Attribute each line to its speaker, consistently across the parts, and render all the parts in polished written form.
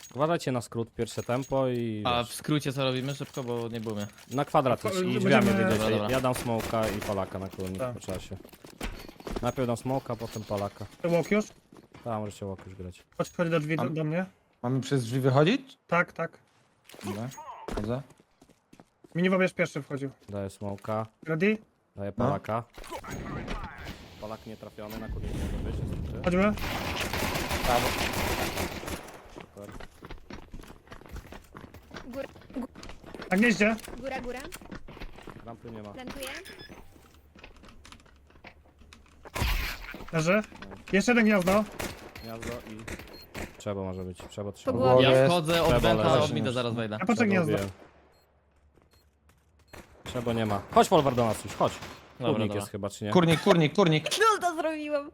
Speaker 1: Uważajcie na skrót, pierwsze tempo i...
Speaker 2: A
Speaker 1: wiesz,
Speaker 2: w skrócie co robimy szybko, bo nie było mnie.
Speaker 1: na kwadrat idź i
Speaker 3: Będziemy-
Speaker 1: drzwiami wyjdziecie.
Speaker 2: Dobra, dobra.
Speaker 1: Ja dam smoka i palaka na kurnik
Speaker 3: Tak.
Speaker 1: po czasie. Najpierw dam smoka, potem palaka.
Speaker 3: Walk już?
Speaker 1: Tak, możecie łok już grać.
Speaker 3: Chodź do drzwi do mnie.
Speaker 4: Mamy przez drzwi wychodzić?
Speaker 3: Tak, tak.
Speaker 4: Dobra, chodzę.
Speaker 3: Minibobierz pierwszy wchodził.
Speaker 1: Daję smoka,
Speaker 3: Ready?
Speaker 1: daję palaka. Palak nie trafiony, na kurnik może być, niestety.
Speaker 3: Chodźmy.
Speaker 4: Prawo.
Speaker 1: Super.
Speaker 5: Góra,
Speaker 3: Na gnieździe.
Speaker 5: góra.
Speaker 1: Rampy nie ma.
Speaker 5: Plantuję.
Speaker 3: Leży. Jeszcze jeden gniazdo.
Speaker 1: Gniazdo i... Trzeba może być, trzeba
Speaker 5: Po
Speaker 1: trzeba.
Speaker 5: głowie.
Speaker 2: Ja
Speaker 4: jest.
Speaker 2: wchodzę od
Speaker 1: Trzeba
Speaker 2: Benta,
Speaker 1: leży.
Speaker 2: od mida zaraz wejdę.
Speaker 3: Ja patrzę gniazdo.
Speaker 1: Trzeba nie ma. Chodź Wolvar do nas już, chodź.
Speaker 2: Dobra,
Speaker 1: Kurnik
Speaker 2: dobra.
Speaker 1: jest chyba, czy nie?
Speaker 4: Kurnik.
Speaker 5: No to zrobiłam.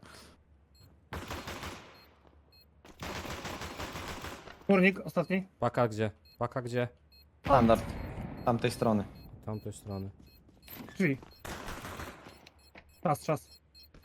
Speaker 3: Kurnik, ostatni.
Speaker 1: Paka gdzie? Paka gdzie?
Speaker 4: Standard. Tamtej strony.
Speaker 1: Tamtej strony.
Speaker 3: Drzwi. Czas.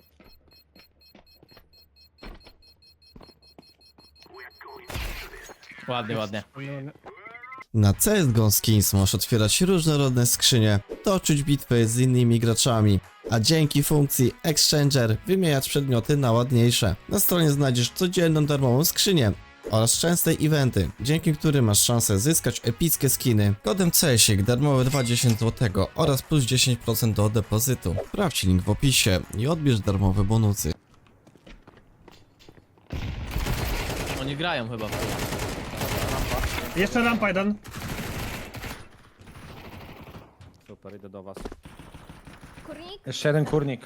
Speaker 2: Ładnie.
Speaker 6: Na CSGO Skins możesz otwierać różnorodne skrzynie, toczyć bitwy z innymi graczami, a dzięki funkcji Exchanger wymieniać przedmioty na ładniejsze. Na stronie znajdziesz codzienną darmową skrzynię oraz częste eventy, dzięki którym masz szansę zyskać epickie skiny. Kodem CSIK darmowe 20 zł oraz plus 10% do depozytu. Sprawdź link w opisie i odbierz darmowe bonusy.
Speaker 2: Oni grają chyba.
Speaker 3: Jeszcze rampa jeden.
Speaker 1: Super, idę do was.
Speaker 5: Kurnik.
Speaker 4: Jeszcze jeden kurnik.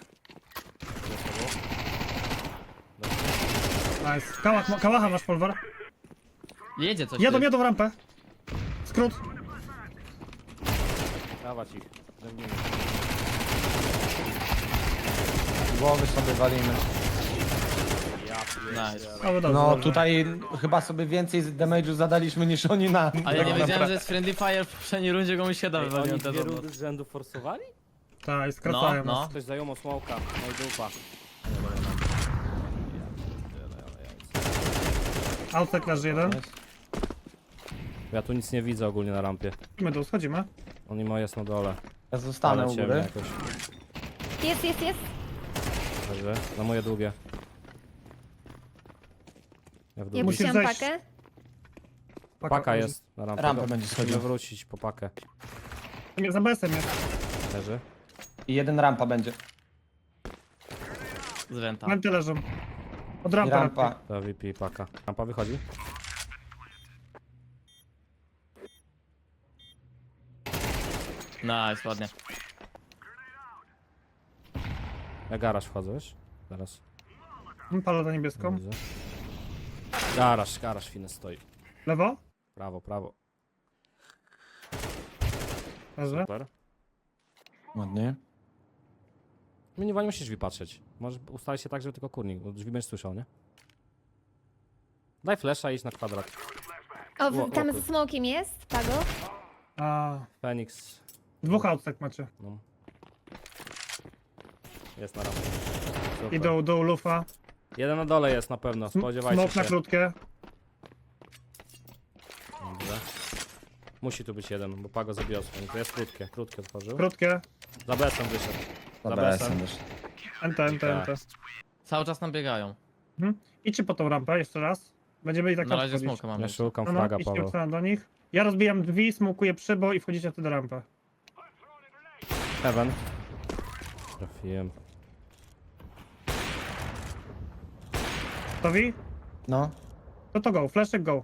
Speaker 3: Nice. Kałacha masz, Polwar.
Speaker 2: Jedzie coś.
Speaker 3: Jadą
Speaker 2: ty.
Speaker 3: w rampę. Skrót.
Speaker 1: Dawać ich. Zębnijmy.
Speaker 4: Głowy sobie walimy.
Speaker 2: Nice.
Speaker 3: O, dobrze,
Speaker 4: No
Speaker 3: dobrze.
Speaker 4: tutaj chyba sobie więcej damage'u zadaliśmy niż oni na...
Speaker 2: Ale ja nie
Speaker 4: tak
Speaker 2: wiedziałem,
Speaker 4: naprawdę.
Speaker 2: że jest Friendly Fire w poprzedniej rundzie, go mi się da
Speaker 1: Oni
Speaker 2: wywaliłem
Speaker 1: dwie
Speaker 2: też.
Speaker 1: rundy z rzędu forsowali?
Speaker 3: Tak, i skracają
Speaker 2: No,
Speaker 3: nas.
Speaker 1: Ktoś zajął smoka, no i dupa.
Speaker 3: Outside leży jeden.
Speaker 1: Ja tu nic nie widzę ogólnie na rampie.
Speaker 3: Schodzimy dół, schodzimy.
Speaker 1: Oni ma jest na dole.
Speaker 4: Ja zostanę
Speaker 1: Ale
Speaker 4: u
Speaker 1: ciemno
Speaker 4: góry.
Speaker 1: jakoś.
Speaker 5: Jest.
Speaker 1: Leży. Na moje długie. Ja w dół.
Speaker 5: Ja
Speaker 3: Musisz
Speaker 5: puściłam
Speaker 3: zejść.
Speaker 5: pakę.
Speaker 1: Paka jest na rampie.
Speaker 4: Rampę będzie
Speaker 1: Musimy
Speaker 4: schodził.
Speaker 1: wrócić po pakę.
Speaker 3: Nie, za BS-em jest.
Speaker 1: Leży.
Speaker 4: I jeden rampa będzie.
Speaker 2: Z Venta.
Speaker 3: Menty leżą. Od
Speaker 4: I
Speaker 3: rampy.
Speaker 4: rampa.
Speaker 1: To VP i paka. Rampa wychodzi.
Speaker 2: Nice, ładnie.
Speaker 1: Ja garaż wchodzę, wiesz? Zaraz.
Speaker 3: Palę za niebieską.
Speaker 1: Widzę. Garaż finy stoi.
Speaker 3: Lewo.
Speaker 1: Prawo.
Speaker 3: Leży.
Speaker 1: Super.
Speaker 4: Ładnie.
Speaker 1: Nie musisz drzwi patrzeć. Możesz ustalić się tak, żeby tylko kurnik, bo drzwi będziesz słyszał, nie? Daj flesza i idź na kwadrat.
Speaker 5: O,
Speaker 1: O,
Speaker 5: tam
Speaker 1: o,
Speaker 5: ze smokiem jest, Pago.
Speaker 3: A,
Speaker 1: Fenix.
Speaker 3: dwóch outside macie.
Speaker 1: No. Jest na rampie. Super.
Speaker 3: I do lufa.
Speaker 1: Jeden na dole jest na pewno, spodziewajcie
Speaker 3: Smok na
Speaker 1: się.
Speaker 3: krótkie.
Speaker 1: Dobrze. Musi tu być jeden, bo Pago zabił swoim. To jest krótkie otworzył.
Speaker 3: Krótkie.
Speaker 1: Za besem wyszedł. Za
Speaker 4: Dobra,
Speaker 1: besem.
Speaker 4: jestem już.
Speaker 3: NT.
Speaker 2: Cały czas nam biegają.
Speaker 3: Idźcie po tą rampę jeszcze raz. Będziemy i tak
Speaker 2: Na
Speaker 3: tam
Speaker 2: razie
Speaker 3: wchodzić.
Speaker 2: smoka mamy.
Speaker 1: Ja szukam
Speaker 3: No,
Speaker 1: flaga,
Speaker 3: idźcie
Speaker 1: Paweł.
Speaker 3: obstawiam do nich. Ja rozbijam drzwi, smokuję przybo i wchodzicie wtedy rampę.
Speaker 1: Heaven. Trafiłem.
Speaker 3: Gotowi?
Speaker 4: No.
Speaker 3: To go, flashek go.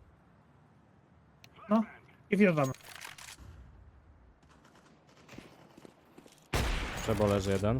Speaker 3: No i wjeżdżamy.
Speaker 1: Trzeba leży jeden.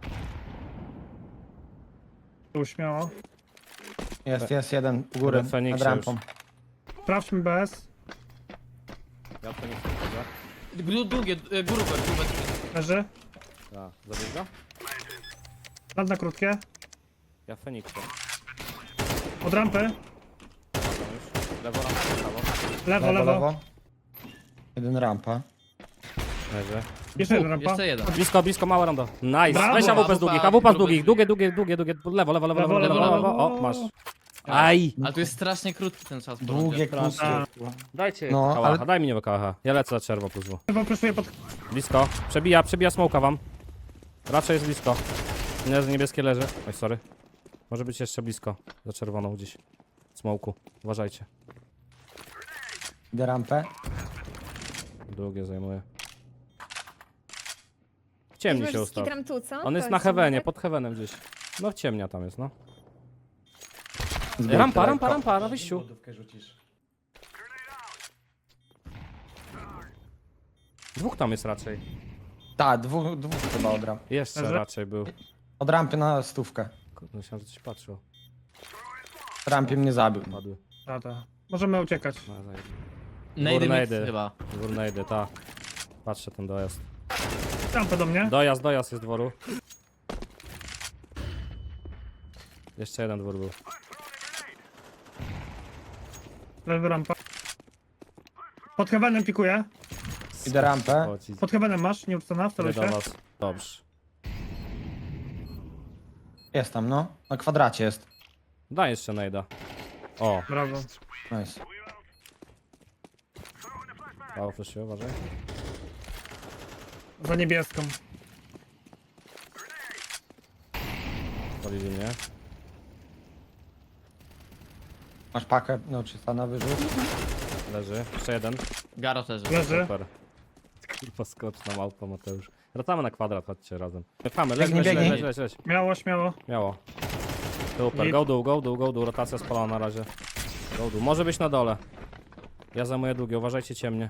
Speaker 3: Tu śmiało.
Speaker 4: Jest jeden u góry,
Speaker 1: Dobra, Feniksie
Speaker 4: nad rampą.
Speaker 3: Sprawdźmy BS.
Speaker 1: Ja to nie wchodzę.
Speaker 2: Długie, grube.
Speaker 3: Leży.
Speaker 1: Tak, zabierz go?
Speaker 3: Nad na krótkie.
Speaker 1: Ja Feniksie.
Speaker 3: Od rampy.
Speaker 1: Lewo, prawo.
Speaker 3: Lewo.
Speaker 4: Jeden rampa.
Speaker 1: Leży.
Speaker 3: Jeszcze jeden rampa.
Speaker 2: Jeszcze jeden.
Speaker 1: Blisko, małe rondo. Nice.
Speaker 3: Brawo.
Speaker 1: Weź AWP z długich, AWP z
Speaker 2: Grube
Speaker 1: długich. Długie. Lewo. O, masz. Aj!
Speaker 2: Ale tu jest strasznie krótki ten czas.
Speaker 4: Długie,
Speaker 2: porządek.
Speaker 4: krótkie.
Speaker 1: Dajcie
Speaker 4: No,
Speaker 1: kałacha,
Speaker 4: ale-
Speaker 1: daj mi niego kałacha. Ja lecę za czerwo puzło.
Speaker 3: Chyba preszuję pod...
Speaker 1: Blisko. Przebija smoka wam. Raczej jest blisko. Niebieskie leży. Oj, sorry. Może być jeszcze blisko. Za czerwoną gdzieś. Smoku. Uważajcie.
Speaker 4: Idę rampę.
Speaker 1: Długie zajmuje. W ciemni się ustał.
Speaker 5: Skitram tu, co?
Speaker 1: On jest
Speaker 5: To
Speaker 1: na heavenie,
Speaker 5: tak?
Speaker 1: pod heavenem gdzieś. No ciemnia tam jest, no.
Speaker 4: Zbieg
Speaker 1: Rampa,
Speaker 4: lekko.
Speaker 1: rampa, na wyjściu.
Speaker 4: Lodówkę rzucisz.
Speaker 1: Dwóch tam jest raczej.
Speaker 4: Tak, dwóch chyba od rampy.
Speaker 1: Jeszcze
Speaker 3: Leży?
Speaker 1: raczej był.
Speaker 4: Od rampy na stówkę.
Speaker 1: Kurde, myślałem, że coś patrzył.
Speaker 4: W rampie mnie zabił.
Speaker 1: Padły.
Speaker 3: Tata. Możemy uciekać.
Speaker 1: No, zajebiście.
Speaker 2: Nady mix
Speaker 1: Górnejdy.
Speaker 2: chyba.
Speaker 1: Górnejdy, ta. Patrzę ten dojazd.
Speaker 3: Rampę do mnie.
Speaker 1: Dojazd jest dworu. Jeszcze jeden dwór był.
Speaker 3: Lewy rampa. Pod heavenem pikuję.
Speaker 4: Idę rampę.
Speaker 1: O, ci-
Speaker 3: Pod heavenem masz, nie uczona,
Speaker 1: Idę do
Speaker 3: wstawię się.
Speaker 1: was. Dobrze.
Speaker 4: Jest tam, no. Na kwadracie jest.
Speaker 1: Daj jeszcze najda. O,
Speaker 3: Brawo.
Speaker 4: Nice.
Speaker 1: mało fleszy, uważaj.
Speaker 3: Za niebieską.
Speaker 1: Polili mnie.
Speaker 4: Masz pakę, no czy na wyrzut?
Speaker 1: Leży. Jeszcze jeden.
Speaker 2: Garaż leży.
Speaker 3: Leży.
Speaker 1: Super. Kurwa skoczna małpa Mateusz. Wracamy na kwadrat, chodźcie razem. Czekamy, leć,
Speaker 4: Biegnij,
Speaker 1: leć,
Speaker 4: biegnij.
Speaker 1: leć, leć, leć.
Speaker 3: Śmiało, śmiało.
Speaker 1: Miało. Super,
Speaker 3: Git.
Speaker 1: go dół, go dół, go dół. Rotacja spalona na razie. Go dół. Może być na dole. Ja zajmuję długie, uważajcie ciemnie.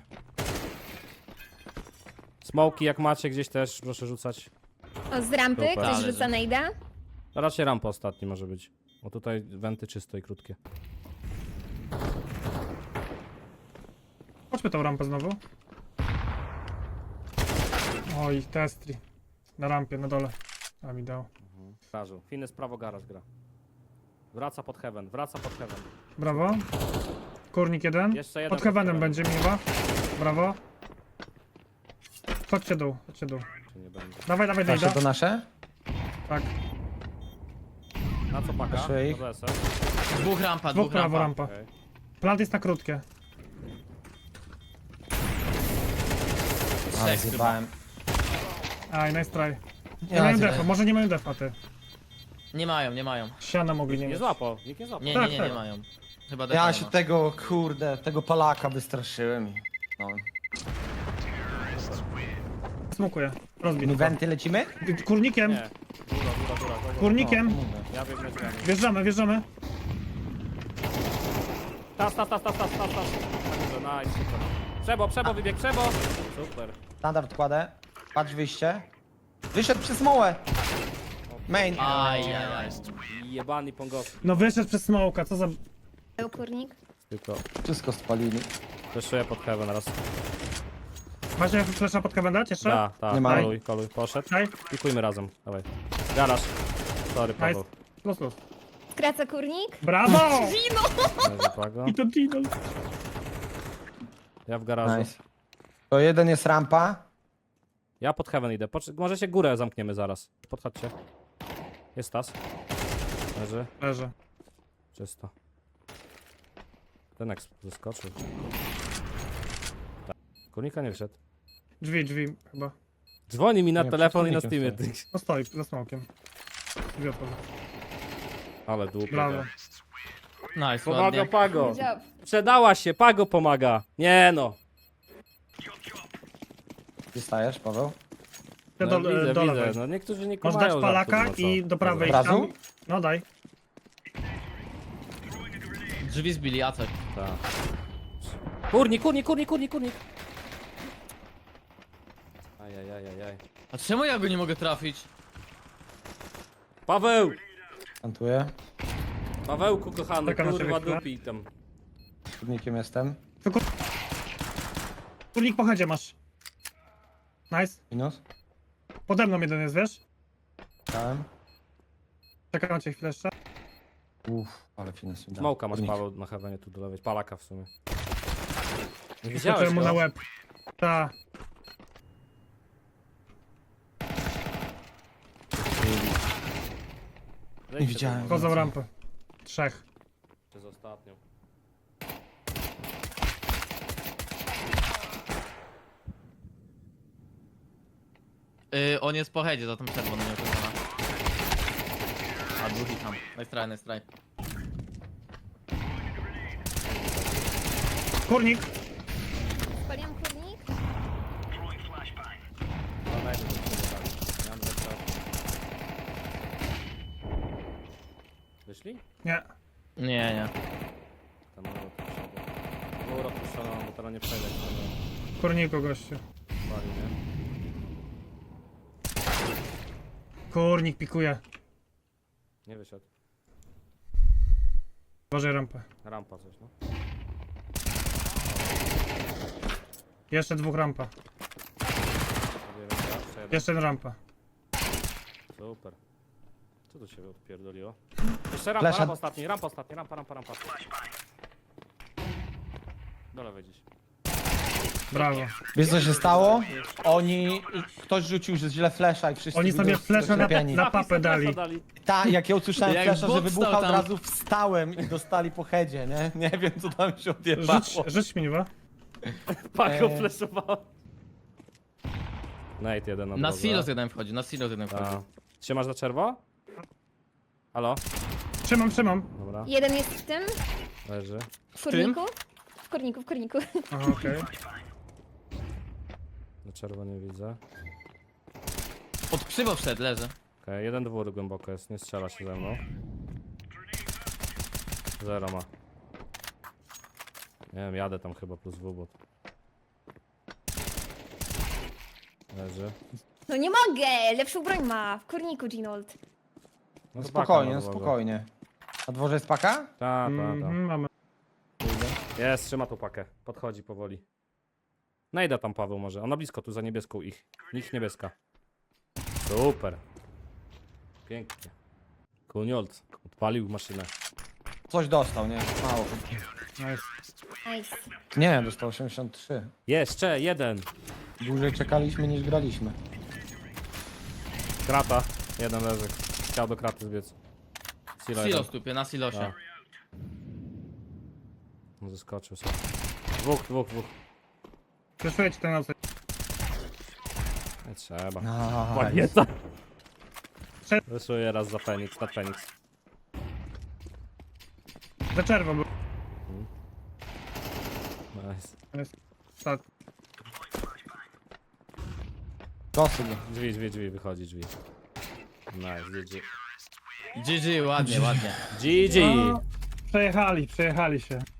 Speaker 1: Smoki jak macie gdzieś też, proszę rzucać.
Speaker 5: O, z rampy,
Speaker 1: Super.
Speaker 5: ktoś
Speaker 2: Ale
Speaker 5: rzuca
Speaker 2: że-
Speaker 5: najda.
Speaker 1: Raczej rampa ostatni może być. Bo tutaj wenty czyste i krótkie.
Speaker 3: Chodźmy tą rampę znowu. Oj, testri. Na rampie, na dole. A mi dał.
Speaker 1: Garażu. Fines prawo garaż gra. Wraca pod heaven, wraca pod heaven.
Speaker 3: Brawo. Kurnik jeden.
Speaker 1: Jeszcze jeden
Speaker 3: Pod heavenem będzie miła. Brawo. Chodźcie dół, chodźcie dół.
Speaker 1: Czy nie będzie.
Speaker 3: Dawaj, dawaj,
Speaker 4: Nasze
Speaker 3: najda.
Speaker 4: to nasze?
Speaker 3: Tak.
Speaker 1: Na co paka?
Speaker 4: Proszę ich.
Speaker 1: Do BS-a.
Speaker 2: Dwóch rampa,
Speaker 3: Dwóch
Speaker 2: dwóch
Speaker 3: prawo
Speaker 2: rampa.
Speaker 3: rampa.
Speaker 1: Okej.
Speaker 3: Plant jest na krótkie.
Speaker 4: Ale
Speaker 2: Trzech chyba.
Speaker 4: zjebałem.
Speaker 3: Aj, nice try. Nie
Speaker 4: Ja
Speaker 3: mają
Speaker 4: zjebałem.
Speaker 3: defa, może nie mają defa ty.
Speaker 2: Nie mają, nie mają.
Speaker 3: Siana mogli nie
Speaker 1: Nie
Speaker 3: mieć.
Speaker 1: złapał, nikt nie złapał.
Speaker 2: Nie,
Speaker 3: Tak,
Speaker 2: nie,
Speaker 3: tak.
Speaker 2: nie mają. Chyba
Speaker 4: Ja
Speaker 2: defa
Speaker 4: się
Speaker 2: nie ma.
Speaker 4: tego, kurde, tego Polaka wystraszyłem. No.
Speaker 3: Smukuję. Rozbij.
Speaker 4: My wenty lecimy?
Speaker 3: Kurnikiem,
Speaker 1: Nie. Góra, góra, góra.
Speaker 3: kurnikiem.
Speaker 4: Mówię.
Speaker 1: Ja biegnę drzwiami.
Speaker 3: Wjeżdżamy, wjeżdżamy.
Speaker 1: Tas. Tak, dobrze, nice, super. Przebo, wybieg, przebo. Super.
Speaker 4: Standard kładę. Patrz wyjście. Wyszedł przez mołę. Main.
Speaker 2: Ajajaj.
Speaker 1: Jebany pongos.
Speaker 3: No wyszedł przez smoka, co za...
Speaker 5: Był kurnik.
Speaker 1: Tylko
Speaker 4: Wszystko spalili.
Speaker 1: fleszuję pod heaven raz.
Speaker 3: Macie flesza pod kawę dać jeszcze?
Speaker 1: Da,
Speaker 4: Nie ma.
Speaker 1: koluj, poszedł.
Speaker 3: Daj.
Speaker 1: Pikujmy razem, dawaj. Garaż. Sorry, Paweł.
Speaker 3: Los, los.
Speaker 5: Skraca kurnik.
Speaker 3: Brawo!
Speaker 1: Leży Pago.
Speaker 3: I to Dino.
Speaker 1: Ja w garażu.
Speaker 4: Nice. To jeden jest rampa.
Speaker 1: Ja pod heaven idę. Możecie górę zamkniemy zaraz. Podchodźcie. Jest tas. Leży.
Speaker 3: Leży.
Speaker 1: Czysto. Ten jak zeskoczył. Tak. Kurnika nie wszedł.
Speaker 3: Drzwi chyba.
Speaker 1: Dzwoni mi na
Speaker 4: Nie,
Speaker 1: telefon i na
Speaker 4: przed
Speaker 1: Steamie.
Speaker 4: kurnikiem
Speaker 1: ty.
Speaker 3: No stoi, za smokiem. Drzwi otworzę.
Speaker 1: Ale długo.
Speaker 3: Brawo.
Speaker 2: Nice,
Speaker 1: Pomaga
Speaker 2: ładnie.
Speaker 1: Pago.
Speaker 5: Good job.
Speaker 1: Przedała się, Pago pomaga. Nie no.
Speaker 4: Dostajesz, Paweł?
Speaker 3: Ja
Speaker 1: No,
Speaker 3: do
Speaker 1: widzę.
Speaker 3: lewej.
Speaker 1: No niektórzy nie
Speaker 3: Możesz
Speaker 1: kumają
Speaker 3: dać palaka
Speaker 1: żartów, no co?
Speaker 3: i do prawej.
Speaker 4: Od razu?
Speaker 3: tam. No daj.
Speaker 2: Drzwi zbili, a coś.
Speaker 1: Tak. Kurnik. Ajajajajaj.
Speaker 2: A czemu ja go nie mogę trafić?
Speaker 1: Paweł!
Speaker 4: Kantuję.
Speaker 1: Pawełku kochany,
Speaker 3: Czekam na
Speaker 1: kurwa
Speaker 3: ciebie chwilę.
Speaker 1: dupi tam.
Speaker 4: Kurnikiem jestem.
Speaker 3: Kurnik po headzie masz. Nice.
Speaker 4: Minus.
Speaker 3: Pode mną jeden jest, wiesz?
Speaker 4: Dałem.
Speaker 3: Czekam na cię chwilę jeszcze.
Speaker 4: Uff, ale finesse mi dał.
Speaker 1: Smoka masz
Speaker 4: Kurnik.
Speaker 1: Paweł na heavenie tu do lewej. Palaka w sumie. Nie
Speaker 3: Skoczyłem
Speaker 1: widziałeś
Speaker 3: mu na
Speaker 1: go?
Speaker 3: łeb. Ta.
Speaker 1: Zejdźcie
Speaker 4: Nie widziałem.
Speaker 1: tu.
Speaker 3: Wchodzą rampę. Trzech.
Speaker 1: Przez ostatnią.
Speaker 2: On jest po headzie, za tą czerwoną nieokręcona. A drugi tam. Nice try, nice try.
Speaker 3: Kurnik.
Speaker 5: Spaliłam kurnik.
Speaker 1: No najpierw do przodu dali. Ja mam lepsze. Wyszli?
Speaker 3: Nie.
Speaker 2: Nie, nie.
Speaker 1: Tam mur od przodu. Mur opuszczono, bo teraz nie przejdę.
Speaker 3: Kurniku, gościu.
Speaker 1: Pali, nie?
Speaker 3: Kurnik pikuje.
Speaker 1: Nie wyszedł.
Speaker 3: Boże rampę.
Speaker 1: Rampa coś, no.
Speaker 3: Jeszcze dwóch rampa.
Speaker 1: Sobie raz, jeszcze jeden.
Speaker 3: Jeszcze rampa.
Speaker 1: Super. Co tu się odpierdoliło? Jeszcze rampa,
Speaker 4: Flasha.
Speaker 1: rampa ostatni, rampa ostatni, rampa. Do lewej gdzieś.
Speaker 3: Brawo.
Speaker 4: Wiesz co się stało? Ktoś rzucił że źle flesza i wszyscy
Speaker 3: Oni sobie
Speaker 4: widzą,
Speaker 3: flesza
Speaker 4: sklepieni.
Speaker 3: na papę dali.
Speaker 4: Tak, jak ja usłyszałem
Speaker 2: Jak
Speaker 4: flesza, że
Speaker 2: Bóg
Speaker 4: wybucha,
Speaker 2: stał
Speaker 4: od
Speaker 2: tam.
Speaker 4: razu wstałem i dostali po headzie, nie? Nie wiem co tam się odjebało.
Speaker 3: Rzuć śmiewa.
Speaker 1: Paką fleszowała. Nate jeden na
Speaker 2: Na
Speaker 1: drodze.
Speaker 2: silos jeden wchodzi, na silos jeden wchodzi.
Speaker 1: A. Trzymasz na czerwo? Halo?
Speaker 3: Trzymam.
Speaker 1: Dobra,
Speaker 5: Jeden jest w tym.
Speaker 1: leży.
Speaker 5: W kurniku. W kurniku.
Speaker 3: Aha, okej.
Speaker 1: Na czerwo nie widzę.
Speaker 2: Pod krzywo wszedł, leży.
Speaker 1: Okej, jeden dwór głęboko jest, nie strzela się ze mną. Zero ma. Nie wiem, jadę tam chyba plus wubot. Leży.
Speaker 5: No nie mogę! Lepszą broń ma. W kurniku, Ginold.
Speaker 1: No
Speaker 4: Spokojnie,
Speaker 1: spaka
Speaker 4: no
Speaker 1: na dworze.
Speaker 4: spokojnie. Na dworze jest paka?
Speaker 1: Tak, tak,
Speaker 3: Mamy.
Speaker 1: Jest, trzyma tu pakę. Podchodzi powoli. Najda tam Paweł może. Ona blisko tu za niebieską ich. Ich niebieska. Super. Pięknie. Kuniold odpalił maszynę.
Speaker 4: Coś dostał, nie? Mało.
Speaker 3: Nice.
Speaker 5: Nice.
Speaker 4: Nie, dostał 83.
Speaker 1: Jeszcze jeden.
Speaker 4: Dłużej czekaliśmy niż graliśmy.
Speaker 1: Krata. Jeden leży. Chciał do kraty zbiec. Silo jeden.
Speaker 2: Silos tupie, na silosie.
Speaker 1: Tak. No, zeskoczył sobie. Dwóch.
Speaker 3: Przeszuję ci ten outside.
Speaker 1: Nie trzeba.
Speaker 4: Nice.
Speaker 1: Panieta. Wyszuję raz za Feniks, na Feniks.
Speaker 3: Za czerwo był.
Speaker 1: Nice.
Speaker 3: Stat.
Speaker 4: Dosyć.
Speaker 1: Drzwi, wychodzi drzwi. Nice, GG.
Speaker 2: GG, ładnie.
Speaker 1: GG!
Speaker 3: Przejechali się.